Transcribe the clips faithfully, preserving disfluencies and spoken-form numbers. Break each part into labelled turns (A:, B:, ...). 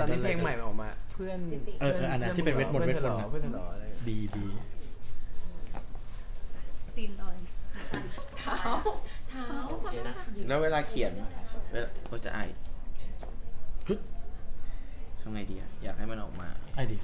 A: อนที่เพลงใหม่ออกมาเพื่อน
B: เอออันนั้นที่เป็นเวทมนต์เวทมนต์
A: เพื่อนทะเลาะอะไร
B: ดีดี
C: ตีนลอยเท้าเท้า
D: แล้วเวลาเขียนเวลาเราจะไอทำไงดีอะอยากให้มันออกมา
B: ไอดี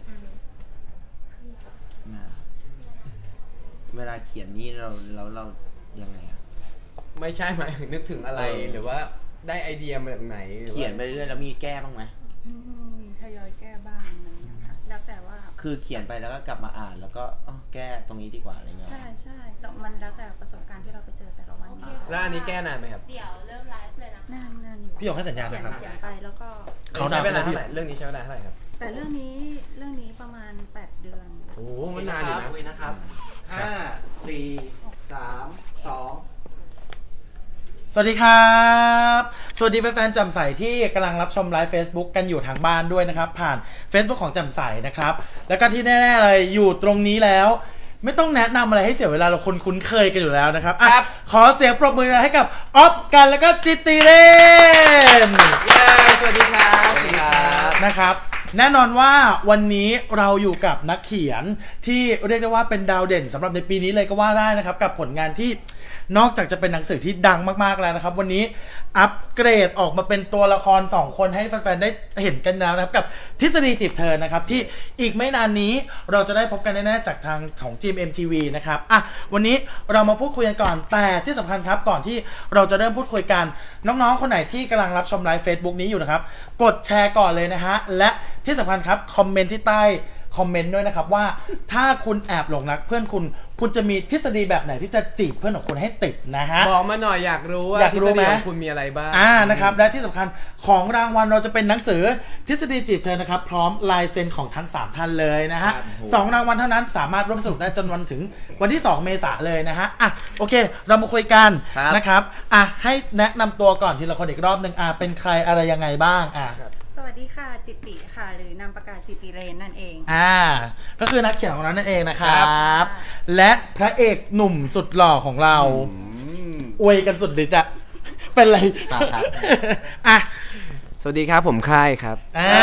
D: เวลาเขียนนี่เราเราเรายังไงอะ
A: ไม่ใช่หมายถึงนึกถึงอะไรหรือว่าได้ไอเดียมาจากไหน
D: เขียนไปเรื่อยแล้วมีแก้บ้างไหม
C: มีทยอยแก้บ้างอะไรอย่างเงี้ยค่ะแล้วแต่ว่า
D: คือเขียนไปแล้วก็กลับมาอ่านแล้วก็แก้ตรงนี้ดีกว่าอะไรเงี้ย
C: ใช่ใช่แต่มันแล้วแต่ประสบการณ์ที่เราไปเจอแต่ละวัน
A: แล้วอันนี้แก้นานไหมครับ
E: เดี๋ยวเริ่มไลฟ์เลยนะ
C: นานนานอยู่
B: พี่หยกให้สัญญาณนะครับ
C: เขียนไปแล้วก็
A: เขาใช้เวลาเท่าไหร่เรื่องนี้ใช้เวลาเท่าไหร่ครับ
C: แต่เรื่องนี้เรื่องนี้ประมาณแปดเดือน
A: โอ้มันนานอยู่นะ
F: นะครับห้าสี่สามสอง
B: สวัสดีครับสวัสดีแฟนๆแจ่มใสที่กำลังรับชมไลฟ์ Facebook กันอยู่ทางบ้านด้วยนะครับผ่าน Facebook ของแจ่มใสนะครับแล้วก็ที่แน่ๆเลยอยู่ตรงนี้แล้วไม่ต้องแนะนำอะไรให้เสียเวลาเราคนคุ้นเคยกันอยู่แล้วนะครับอ่ะขอเสียงปรบมือให้กับออฟกันแล้วก็จิตติเรน
A: สวัสดีครับสวัสดีครับ
B: นะครับแน่นอนว่าวันนี้เราอยู่กับนักเขียนที่เรียกได้ว่าเป็นดาวเด่นสำหรับในปีนี้เลยก็ว่าได้นะครับกับผลงานที่นอกจากจะเป็นหนังสือที่ดังมากๆแล้วนะครับวันนี้อัปเกรดออกมาเป็นตัวละครสองคนให้แฟนๆได้เห็นกันแล้วนะครับกับทฤษฎีจีบเธอนะครับที่อีกไม่นานนี้เราจะได้พบกันแน่ๆจากทางของจีม เอ็ม ที วี นะครับอ่ะวันนี้เรามาพูดคุยกันก่อนแต่ที่สำคัญครับก่อนที่เราจะเริ่มพูดคุยกันน้องๆคนไหนที่กำลังรับชมไลฟ์ Facebook นี้อยู่นะครับกดแชร์ก่อนเลยนะฮะและที่สำคัญครับคอมเมนต์ที่ใต้คอมเมนต์ด้วยนะครับว่าถ้าคุณแอบหลงรักเพื่อนคุณคุณจะมีทฤษฎีแบบไหนที่จะจีบเพื่อนของคุณให้ติดนะฮะ
A: บอกมาหน่อยอยากรู้ว่าทฤษฎีของคุณมีอะไรบ้าง
B: อ่านะครับและที่สำคัญของรางวัลเราจะเป็นหนังสือทฤษฎีจีบเธอนะครับพร้อมลายเซ็นของทั้งสามท่านเลยนะฮะสองรางวัลเท่านั้นสามารถร่วมสนุกได้จนวันถึงวันที่สองเมษายนเลยนะฮะอ่ะโอเคเรามาคุยกันนะครับอ่ะให้แนะนำตัวก่อนทีละคนอีกรอบนึงอ่ะเป็นใครอะไรยังไงบ้างอ่ะ
C: สวัสดีค่ะจิตติค่ะหรือนามปากกาจิตติเรนนั่นเอง
B: อ่าก็คือนักเขียนของเรานั่นเองนะครับและพระเอกหนุ่มสุดหล่อของเราอวยกันสุดฤทธิ์อะเป็นไรอ่ะ
A: สวัสดีครับผมค่ายครับ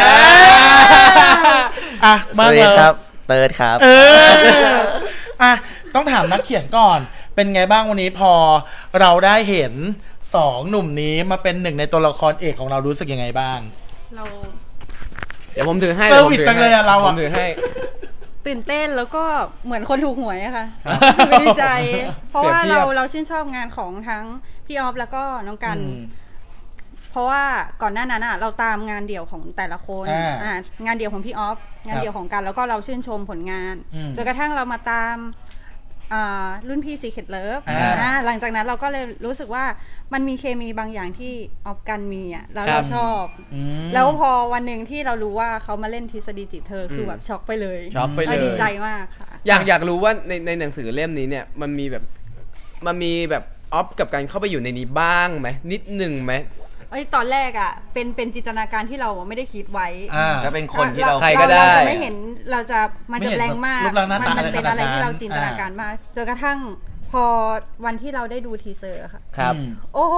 B: อ่ะ
D: สวัสดีครับเติร์ดครับ
B: เอออ่ะต้องถามนักเขียนก่อนเป็นไงบ้างวันนี้พอเราได้เห็นสองหนุ่มนี้มาเป็นหนึ่งในตัวละครเอกของเรารู้สึกยังไงบ้าง
C: เรา
A: เดี๋ยวผมถือให้
B: เซอร์วิสจังเลยอะเราอะ
A: ผมถือให้
C: ตื่นเต้นแล้วก็เหมือนคนถูกหวยอะค่ะรู้สึกดีใจเพราะว่าเราเราชื่นชอบงานของทั้งพี่ออฟแล้วก็น้องกันเพราะว่าก่อนหน้านั้นอะเราตามงานเดี่ยวของแต่ละคนอ่างานเดี่ยวของพี่ออฟงานเดี่ยวของกันแล้วก็เราชื่นชมผลงานจนกระทั่งเรามาตามรุ่นพี่ซีเคทเลิฟหลังจากนั้นเราก็เลยรู้สึกว่ามันมีเคมีบางอย่างที่ออฟกันมีอ่ะแล้วเราชอบแล้วพอวันหนึ่งที่เรารู้ว่าเขามาเล่นทฤษฎีจีบเธอคือแบบช็อกไปเลย
A: ช็อกไปเลย
C: ดีใจมากค่ะ
A: อยากอยากรู้ว่าในในหนังสือเล่มนี้เนี่ยมันมีแบบมันมีแบบออฟกับการเข้าไปอยู่ในนี้บ้างไหมนิดหนึ่งไหม
C: ไอ้ตอนแรกอ่ะเป็นเป็นจินตนาการที่เราไม่ได้คิดไว้
D: ก็เป็นคนที่เรา
A: ใครก็ได้
C: เราจะไม่เห็นเราจะมันจะแรงมากมันเป็นอะไรที่เราจินตนาการมากจนกระทั่งพอวันที่เราได้ดูทีเซอร์ค่ะ
A: ครับ
C: โอ้โห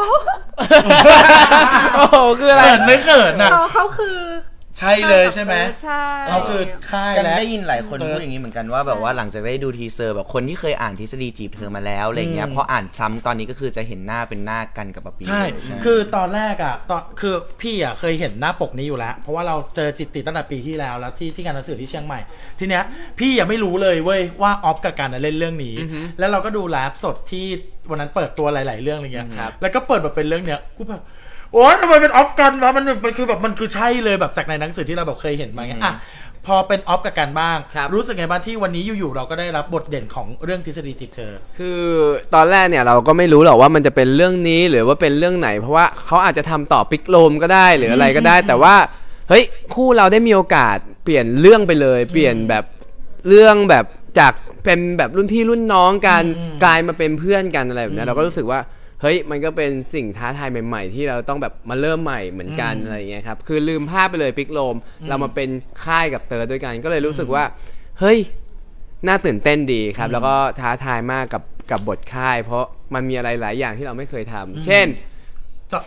A: โอ้โหคืออะไร
B: ไม่เขินนะ
C: เขาคือ
B: ใช่เลยใช่ไหม
C: ใช่
B: เขาคือค่าย
D: แล้วได้ยินหลายคนพูดอย่างนี้เหมือนกันว่าแบบว่าหลังจากได้ดูทีเซอร์แบบคนที่เคยอ่านทฤษฎีจีบเธอมาแล้วอะไรเงี้ยพออ่านซ้ำตอนนี้ก็คือจะเห็นหน้าเป็นหน้ากันกับปะปี
B: ใช่คือตอนแรกอ่ะตอนคือพี่อ่ะเคยเห็นหน้าปกนี้อยู่แล้วเพราะว่าเราเจอจิตติตั้งแต่ปีที่แล้วแล้วที่ที่งานหนังสือที่เชียงใหม่ทีเนี้ยพี่ยังไม่รู้เลยเว้ยว่าออฟกับการเล่นเรื่องนี้แล้วเราก็ดูไลฟ์สดที่วันนั้นเปิดตัวหลายๆเรื่องอะไรเงี้ยแล้วก็เปิดแบบเป็นเรื่องเนี้ยกูแบบโอ้ยทำไมเป็นออฟกันวะมันมันคือแบบมันคือใช่เลยแบบจากในหนังสือที่เราแบบเคยเห็นมาไงอ่ะพอเป็นออฟกับกันบ้างรู้สึกไงบ้างที่วันนี้อยู่ๆเราก็ได้รับบทเด่นของเรื่องทฤษฎีจีบเธอ
A: คือตอนแรกเนี่ยเราก็ไม่รู้หรอกว่ามันจะเป็นเรื่องนี้หรือว่าเป็นเรื่องไหนเพราะว่าเขาอาจจะทำต่อปิกโลมก็ได้หรืออะไรก็ได้แต่ว่าเฮ้ยคู่เราได้มีโอกาสเปลี่ยนเรื่องไปเลยเปลี่ยนแบบเรื่องแบบจากเป็นแบบรุ่นพี่รุ่นน้องกันกลายมาเป็นเพื่อนกันอะไรแบบนี้เราก็รู้สึกว่าเฮ้ยมันก็เป็นสิ่งท้าทายใหม่ๆที่เราต้องแบบมาเริ่มใหม่เหมือนกันอะไรอย่างเงี้ยครับคือลืมภาพไปเลยปิกโลมเรามาเป็นค่ายกับเติร์ดด้วยกันก็เลยรู้สึกว่าเฮ้ยน่าตื่นเต้นดีครับแล้วก็ท้าทายมากกับกับบทค่ายเพราะมันมีอะไรหลายอย่างที่เราไม่เคยทำเช่น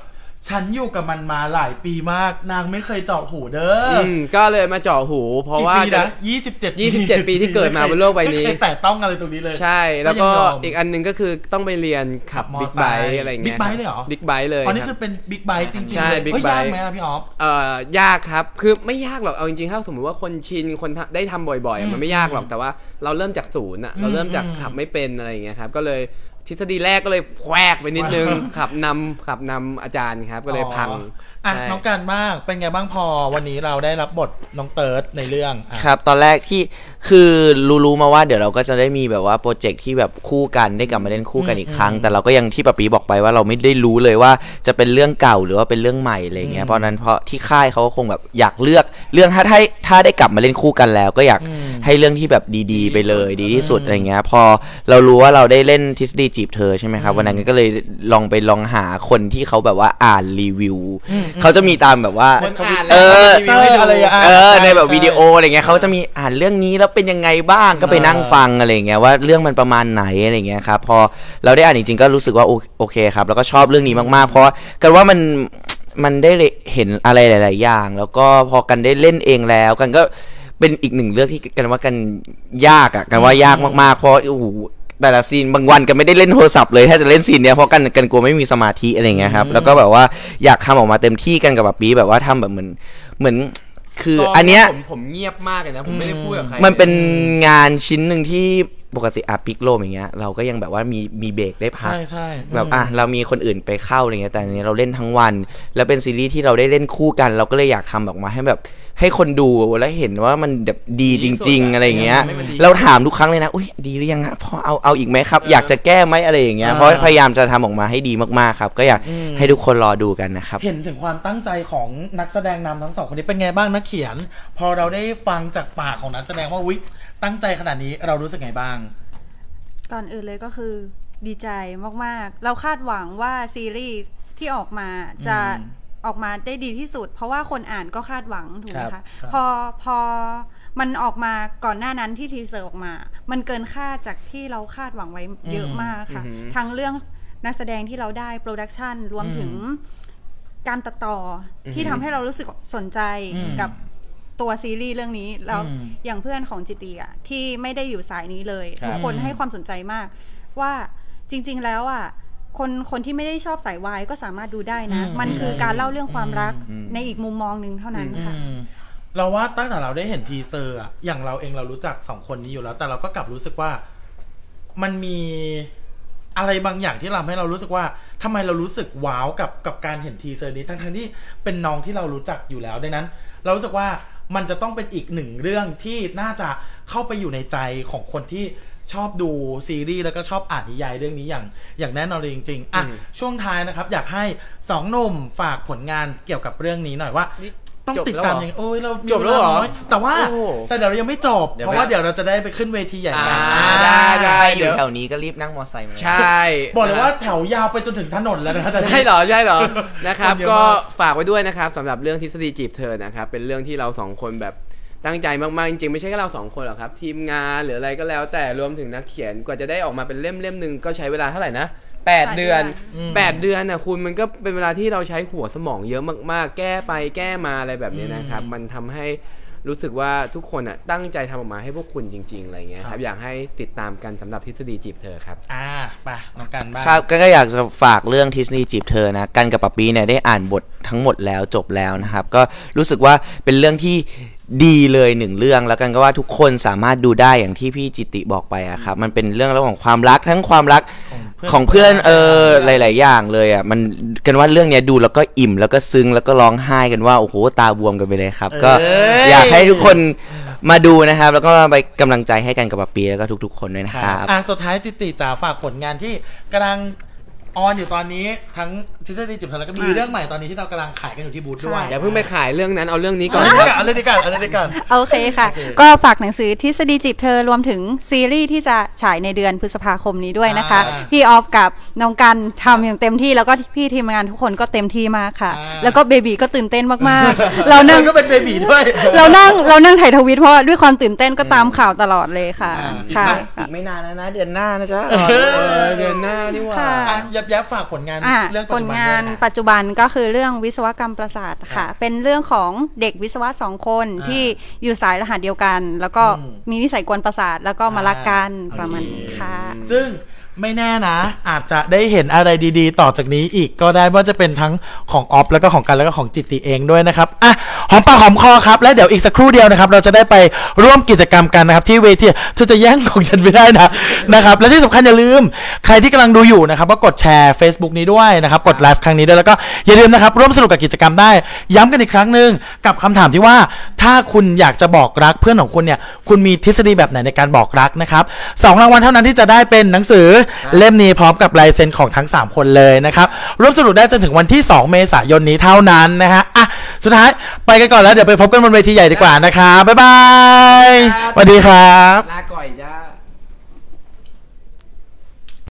B: ฉันอยู่กับมันมาหลายปีมากนางไม่เคยเจาะหูเด้ออื
A: มก็เลยมาเจาะหูเพราะว่า
B: ยี่สิบเจ็ด
A: ยี่สิบเจ็ดปีที่เกิดมาบนโลกใบนี้
B: ไม่เคยแตะต้องอะไรตรงนี้เลย
A: ใช่แล้วก็อีกอันนึงก็คือต้องไปเรียนขับบิ๊กไบค์อะไรเงี้ย
B: บิ๊กไบค์เลยเหรอ
A: บิ๊กไบค์เลย
B: อ๋อนี่คือเป็นบิ๊กไบค์จริงๆเลยเฮ้ยยากไหมพี่ออฟ
A: เอ่อยากครับคือไม่ยากหรอกเอาจริงๆถ้าสมมติว่าคนชินคนได้ทำบ่อยๆมันไม่ยากหรอกแต่ว่าเราเริ่มจากศูนย์อ่ะเราเริ่มจากขับไม่เป็นอะไรอย่างเงี้ยครับก็เลยทฤษฎีแรกก็เลยแควกไปนิดนึงขับนำขับนำอาจารย์ครับก็เลยพัง
B: อ่ะน้องกันบ้างเป็นไงบ้างพอวันนี้เราได้รับบทน้องเติร์ดในเรื่อง
D: ครับตอนแรกที่คือรู้ๆมาว่าเดี๋ยวเราก็จะได้มีแบบว่าโปรเจกต์ที่แบบคู่กันได้กลับมาเล่นคู่กันอีกครั้งแต่เราก็ยังที่ปะปีบอกไปว่าเราไม่ได้รู้เลยว่าจะเป็นเรื่องเก่าหรือว่าเป็นเรื่องใหม่อะไรเงี้ยเพราะนั้นเพราะที่ค่ายเขาก็คงแบบอยากเลือกเรื่องถ้าถ้าถ้าได้กลับมาเล่นคู่กันแล้วก็อยากให้เรื่องที่แบบดีๆไปเลยดีที่สุดอะไรเงี้ยพอเรารู้ว่าเราได้เล่นทฤษฎีจีบเธอใช่ไหมครับวันนั้นก็เลยลองไปลองหาคนที่เขาแบบว่าอ่านรีวิวเขาจะมีตามแบบว่าเออเออในแบบวิดีโออะไรเงี้ยเขาจะมีอ่านเรื่องนี้แล้วเป็นยังไงบ้างก็ไปนั่งฟังอะไรเงี้ยว่าเรื่องมันประมาณไหนอะไรเงี้ยครับพอเราได้อ่านจริงๆก็รู้สึกว่าโอเคครับแล้วก็ชอบเรื่องนี้มากๆเพราะกันว่ามันมันได้เห็นอะไรหลายๆอย่างแล้วก็พอกันได้เล่นเองแล้วกันก็เป็นอีกหนึ่งเรื่องที่กันว่ากันยากอ่ะกันว่ายากมากๆเพราะโอ้โหแต่ละซีนบางวันกันไม่ได้เล่นโทรศัพท์เลยถ้าจะเล่นซีนเนี้ยเพราะกันกันกลัวไม่มีสมาธิอะไรเงี้ยครับแล้วก็แบบว่าอยากทำออกมาเต็มที่กันกับแบบปีแบบว่าทำแบบเหมือนเหมือนคืออันเนี้ย
A: ผมผมเงียบมากเลยนะผมไม่ได้พูดกับใคร
D: มันเป็นงานชิ้นหนึ่งที่ปกติอาปิกโลมอย่างเงี้ยเราก็ยังแบบว่ามีมีเบรกได้พัก
B: ใช่ใช่
D: แบบอ่ะเรามีคนอื่นไปเข้าอะไรเงี้ยแต่อันนี้เราเล่นทั้งวันแล้วเป็นซีรีส์ที่เราได้เล่นคู่กันเราก็เลยอยากทำออกมาให้แบบให้คนดูแล้วเห็นว่ามันแบบดีจริงๆอะไรเงี้ยเราถามทุกครั้งเลยนะอุ้ยดีหรือยังอะพอเอาเอาอีกไหมครับอยากจะแก้ไหมอะไรอย่างเงี้ยเพราะพยายามจะทำออกมาให้ดีมากๆครับก็อยากให้ทุกคนรอดูกันนะครับ
B: เห็นถึงความตั้งใจของนักแสดงนำทั้งสองคนนี้เป็นไงบ้างนักเขียนพอเราได้ฟังจากปากของนักแสดงว่าอุ๊ยตั้งใจขนาดนี้เรารู้สึกไงบ้าง
C: ก่อนอื่นเลยก็คือดีใจมากๆเราคาดหวังว่าซีรีส์ที่ออกมาจะออกมาได้ดีที่สุดเพราะว่าคนอ่านก็คาดหวังถูกไหมคะพอพอมันออกมาก่อนหน้านั้นที่ทีเซอร์ออกมามันเกินคาดจากที่เราคาดหวังไว้เยอะมากค่ะทั้งเรื่องนักแสดงที่เราได้โปรดักชันรวมถึงการตัดต่อที่ทำให้เรารู้สึกสนใจกับตัวซีรีส์เรื่องนี้แล้วอย่างเพื่อนของจิตีอ่ะที่ไม่ได้อยู่สายนี้เลยทุกคนให้ความสนใจมากว่าจริงๆแล้วอ่ะคนคนที่ไม่ได้ชอบสายวายก็สามารถดูได้นะมันคือการเล่าเรื่องความรักในอีกมุมมองนึงเท่านั้นค่ะ
B: เราว่าตั้งแต่เราได้เห็นทีเซอร์อ่ะอย่างเราเองเรารู้จักสองคนนี้อยู่แล้วแต่เราก็กลับรู้สึกว่ามันมีอะไรบางอย่างที่ทำให้เรารู้สึกว่าทำไมเรารู้สึกว้าวกับกับการเห็นทีเซอร์นี้ทั้งๆที่เป็นน้องที่เรารู้จักอยู่แล้วดังนั้นเรารู้สึกว่ามันจะต้องเป็นอีกหนึ่งเรื่องที่น่าจะเข้าไปอยู่ในใจของคนที่ชอบดูซีรีส์แล้วก็ชอบอ่านนิยายเรื่องนี้อย่างอย่างแน่นอนเลยจริงๆอ่ะช่วงท้ายนะครับอยากให้สองหนุ่มฝากผลงานเกี่ยวกับเรื่องนี้หน่อยว่าต้องติดตามอย่างโอ้ยเรา
A: จบแล้วเหรอ
B: แต่ว่าแต่เดี๋ยวเรายังไม่จบเพราะว่าเดี๋ยวเราจะได้ไปขึ้นเวทีใหญ่กัน
A: ได้ได้
D: เดี๋ยวแถวนี้ก็รีบนั่งมอเตอร์ไซค์มา
A: ใช่
B: บอกเลยว่าแถวยาวไปจนถึงถนนแล้วนะ
A: ใช่เหรอใช่เหรอนะครับก็ฝากไว้ด้วยนะครับสำหรับเรื่องทฤษฎีจีบเธอนะครับเป็นเรื่องที่เราสองคนแบบตั้งใจมากๆจริงๆไม่ใช่แค่เราสองคนหรอกครับทีมงานหรืออะไรก็แล้วแต่รวมถึงนักเขียนกว่าจะได้ออกมาเป็นเล่มเล่มนึงก็ใช้เวลาเท่าไหร่นะแปดเดือนแปดเดือนน่ะคุณมันก็เป็นเวลาที่เราใช้หัวสมองเยอะมากๆแก้ไปแก้มาอะไรแบบนี้นะครับมันทำให้รู้สึกว่าทุกคนอ่ะตั้งใจทำออกมาให้พวกคุณจริงๆอะไรเงี้ยครับอยากให้ติดตามกันสำหรับทฤษฎีจีบเธอครับ
B: อ่าไปน้องกันบ้าง
D: ครับก็อยากจะฝากเรื่องทฤษฎีจีบเธอนะกันกับปะปีเนี่ยได้อ่านบททั้งหมดแล้วจบแล้วนะครับก็รู้สึกว่าเป็นเรื่องที่ดีเลยหนึ่งเรื่องแล้วกันก็ว่าทุกคนสามารถดูได้อย่างที่พี่จิติบอกไปอะครับมันเป็นเรื่องระหว่างความรักทั้งความรักของเพื่อนเออหลายๆอย่างเลยอะมันกันว่าเรื่องนี้ดูแล้วก็อิ่มแล้วก็ซึ้งแล้วก็ร้องไห้กันว่าโอ้โหตาบวมกันไปเลยครับก็อยากให้ทุกคนมาดูนะครับแล้วก็ไปกำลังใจให้กันกับปะปีแล้วก็ทุกๆคนด้วยนะครับ
B: อ่ะสุดท้ายจิติจ๋าฝากผลงานที่กำลังออนอยู่ตอนนี้ทั้งทฤษฎีจีบเธอแล้วก็มีเรื่องใหม่ตอนนี้ที่เรากำลังขายกันอยู่ที่บูธด้วย
A: อย่าเพิ่งไปขายเรื่องนั้นเอาเรื่องนี้ก่อน
B: เอาเรื่องนี้ก่อนเอาเรื่องนี้ก่อน
C: โอเคค่ะก็ฝากหนังสือทฤษฎีจีบเธอรวมถึงซีรีส์ที่จะฉายในเดือนพฤษภาคมนี้ด้วยนะคะพี่ออฟกับน้องกันทำอย่างเต็มที่แล้วก็พี่ทีมงานทุกคนก็เต็มที่มากค่ะแล้วก็เบบีก็ตื่นเต้นมากๆเรานั่ง
B: ก็เป็นเบบีด้วย
C: เรานั่งเรานั่งถ่ายทวิตเพราะด้วยความตื่นเต้นก็ตามข่าวตลอดเลยค่ะค่ะ
D: อีกไม่นานแล้วนะเดือนหน้านะจ๊ะ
A: เดือนหน้านี่ว่า
B: อย่าบยับฝากผลงาน
C: อ่ะ
B: เรื่อง
C: ผ
B: ปัจ
C: ล
B: จุบัน
C: งาน
B: ด้วยค่ะ
C: ปัจจุบันก็คือเรื่องวิศวกรรมประสาทค่ะ เป็นเรื่องของเด็กวิศวะสองคน
B: อ่า
C: ที่อยู่สายรหัสเดียวกัน แล้วก็
B: อืม
C: มีนิสัยกวนประสาทแล้วก็มารักกัน
B: อ่า
C: ประมาณนี้ค่ะ
B: ซึ่งไม่แน่นะ อาจจะได้เห็นอะไรดีๆ ต่อจากนี้อีกก็ได้ว่าจะเป็นทั้งของออฟแล้วก็ของกันแล้วก็ของจิตติเองด้วยนะครับอ่ะหอมปากหอมคอครับและเดี๋ยวอีกสักครู่เดียวนะครับเราจะได้ไปร่วมกิจกรรมกันนะครับที่เวทีเธอจะแย่งของฉันไม่ได้นะนะครับและที่สำคัญอย่าลืมใครที่กำลังดูอยู่นะครับก็กดแชร์ Facebook นี้ด้วยนะครับกดไลฟ์ครั้งนี้ด้วยแล้วก็อย่าลืมนะครับร่วมสนุกกับกิจกรรมได้ย้ำกันอีกครั้งหนึ่งกับคำถามที่ว่าถ้าคุณอยากจะบอกรักเพื่อนของคุณเนี่ยคุณมีทฤษฎีแบบไหนในการบอกรักนะครับสองรางวัลเท่านั้นที่จะได้เป็นหนังสือเล่มนี้พร้อมกับลายเซ็นของทั้งสามคนเลยนะครับร่วมสนุกได้จนถึงวันที่สองเมษายนนี้เท่านั้นนะฮะอ่ะสุดท้ายไปกันก่อนแล้วเดี๋ยวไปพบกันบนเวทีใหญ่ดีกว่านะครับบ๊ายบายสวัสดีครับ
A: ลาก่อยจ้า